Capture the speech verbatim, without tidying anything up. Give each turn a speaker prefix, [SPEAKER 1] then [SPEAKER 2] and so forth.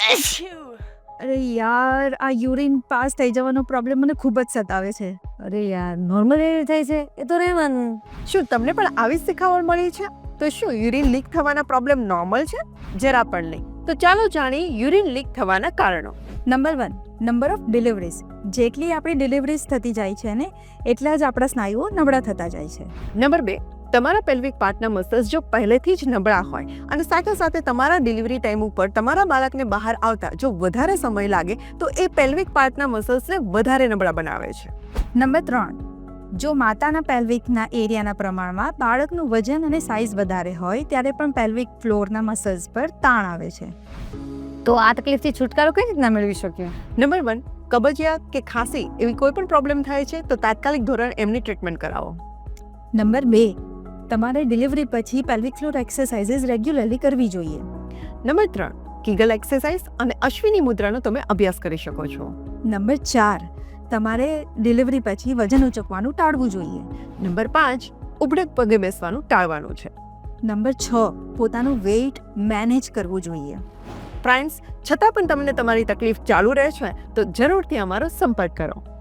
[SPEAKER 1] અરે યાર, આ યુરિન પાસ થઈ જવાનો પ્રોબ્લેમ મને ખૂબ જ સતાવે છે.
[SPEAKER 2] અરે યાર, નોર્મલ એવી થાય છે એ તો રહેવાનું.
[SPEAKER 3] શું તમને પણ આવી જ શીખાવણ મળી છે? તો શું યુરિન લીક થવાના પ્રોબ્લેમ નોર્મલ છે? જરા પણ નહીં. તો ચાલો જાણીએ યુરિન લીક થવાના કારણો.
[SPEAKER 1] Number one, number of deliveries. જેટલી આપણી ડિલિવરીઝ થતી જાય છે ને એટલા જ આપણા સ્નાયુઓ નબળા થતા જાય છે.
[SPEAKER 3] નંબર બે, તમારા પેલ્વિક પાર્ટના મસલ્સ જો પહેલેથી જ નબળા હોય અને સાથે સાથે તમારા ડિલિવરી ટાઈમ ઉપર તમારા બાળકને બહાર આવતા જો વધારે સમય લાગે તો એ પેલ્વિક પાર્ટના મસલ્સને વધારે નબળા બનાવે છે.
[SPEAKER 1] નંબર ત્રણ, જો માતાના પેલ્વિકના એરિયાના પ્રમાણમાં બાળકનું વજન અને સાઇઝ વધારે હોય ત્યારે પણ પેલ્વિક ફ્લોરના મસલ્સ પર તાણ આવે છે.
[SPEAKER 2] તો આ તકલીફથી છુટકારો કઈ રીતના મેળવી શકીએ?
[SPEAKER 3] નંબર વન, કબજિયાત કે ખાંસી એવી કોઈ પણ પ્રોબ્લેમ થાય છે તો તાત્કાલિક ધોરણ એમની ટ્રીટમેન્ટ કરાવો.
[SPEAKER 1] નંબર બે, તમારે ડિલિવરી પછી પેલ્વિક ફ્લોર એક્સરસાઇઝીસ રેગ્યુલરલી કરવી જોઈએ.
[SPEAKER 3] નંબર ત્રણ, કીગલ એક્સરસાઇઝ અને અશ્વિની મુદ્રાનો તમે અભ્યાસ કરી શકો છો.
[SPEAKER 1] નંબર ચાર, તમારે ડિલિવરી પછી વજન ઉચકવાનું ટાળવું જોઈએ.
[SPEAKER 3] નંબર પાંચ, ઉબડક પગે બેસવાનું ટાળવાનું છે.
[SPEAKER 1] નંબર છ, પોતાનું વેઇટ મેનેજ કરવું જોઈએ.
[SPEAKER 3] ફ્રેન્ડ્સ, છતાં પણ તમને તમારી તકલીફ ચાલુ રહે છે તો જરૂરથી અમારો સંપર્ક કરો.